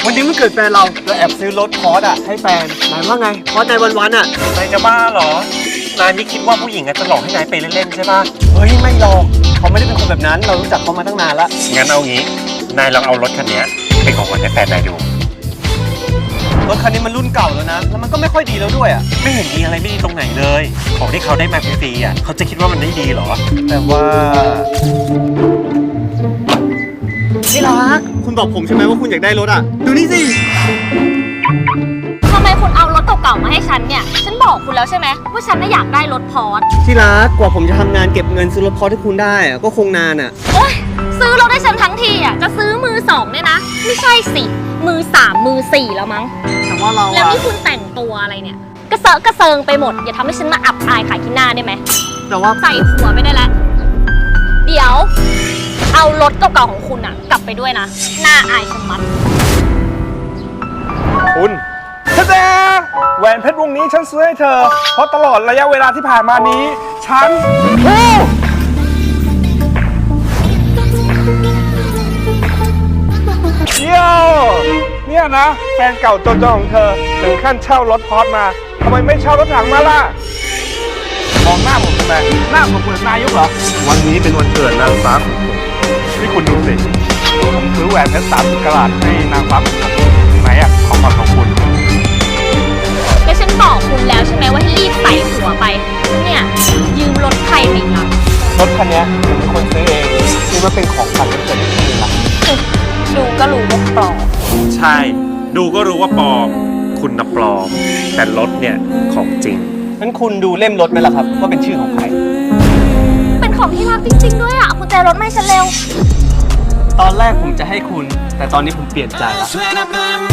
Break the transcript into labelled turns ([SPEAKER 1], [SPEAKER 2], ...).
[SPEAKER 1] วันนี้มันเกิดแฟนเราแอบซื้อรถพอร์ชอะให้แฟนนายว่าไงพอใจวันๆอะ
[SPEAKER 2] นายจะบ้าเหรอนายไม่คิดว่าผู้หญิงจะหลอกให้นายไปเล่นๆใช่ปะ
[SPEAKER 1] เฮ้ยไม่หรอกเขาไม่ได้เป็นคนแบบนั้นเรารู้จักเขามาตั้งนานละ
[SPEAKER 2] งั้นเอางี้นายลองเอารถคันนี้เป็นของขวัญให้แฟนนายดู
[SPEAKER 1] รถคันนี้มันรุ่นเก่าแล้วนะแล้วมันก็ไม่ค่อยดีแล้วด้วยอะ
[SPEAKER 2] ไม่เห็นมีอะไรไม่ดีตรงไหนเลย ของที่เขาได้มาฟรีๆเขาจะคิดว่ามันได้ดีเหรอ
[SPEAKER 1] แต่ว่าที่รักคุณบอกผมใช่ไหมว่าคุณอยากได้รถอะดูนี่สิ
[SPEAKER 3] ทำไมคุณเอารถเก่าๆมาให้ฉันเนี่ย ฉันบอกคุณแล้วใช่ไหมว่าฉันน่ะอยากได้รถพอร์ช
[SPEAKER 1] ที่รักกว่าผมจะทำงานเก็บเงินซื้อรถพอร์ชให้คุณได้อะก็คงนานอะ
[SPEAKER 3] โอ๊ยซื้อรถให้ฉันทั้งทีอ่ะจะซื้อมือสองเนี่ยนะ ไม่ใช่สิมือสามมือสี่แล้วมั้ง
[SPEAKER 1] แต่ว่าเรา
[SPEAKER 3] แล้ว
[SPEAKER 1] อะ
[SPEAKER 3] นี่คุณแต่งตัวอะไรเนี่ยกระเซาะกระเซิงไปหมดอย่าทำให้ฉันมาอับอายขายขี้หน้าได้ไหม
[SPEAKER 1] แต่ว่า
[SPEAKER 3] ใส่หัวไปได้แล้วเดี๋ยวเอารถเก่าๆของคุณอ่ะ กลับไปด้วยนะหน้าอายชะมัด
[SPEAKER 4] คุณเธอแหวนเพชรวงนี้ฉันซื้อให้เธอ เพราะตลอดระยะเวลาที่ผ่านมานี้ ฉันเที่ยวเนี่ยนะ แฟนเก่าจนๆของเธอถึงขั้นเช่ารถพอร์ชมาทำไมไม่เช่ารถถังมาล่ะ มองหน้าผมทำไมหน้าผมเหมือนนายกเหรอ วันนี้เป็นวันเกิดนางฟ้าของผมนี่คุณดูสิผมซื้อแหวนเพชร30 กะรัตให้นางฟ้าของผมไหนอะของขวัญของคุณ
[SPEAKER 3] ก็ฉันบอกคุณแล้วใช่ไหมว่าให้รีบใส่หัวไปเนี่ยยืมรถใครไปอีกล่ะ
[SPEAKER 1] รถคันนี้ผมเป็นคนซื้อเองนี่มันเป็นของขวัญวันเกิดให้คุณละ
[SPEAKER 3] ดูก็รู้ว่าปลอม
[SPEAKER 2] ใช่ ดูก็รู้ว่าปลอม คุณน่ะปลอม แต่รถเนี่ยของจริง
[SPEAKER 1] งั้นคุณดูเล่มรถไหมล่ะครับว่าเป็นชื่อของใคร
[SPEAKER 3] เป็นของที่รักจริงๆด้วยอ่ะเอากุญแจรถมาให้ฉันเร็ว
[SPEAKER 1] ตอนแรกผมจะให้คุณ แต่ตอนนี้ผมเปลี่ยนใจละ
[SPEAKER 5] Suena para mí.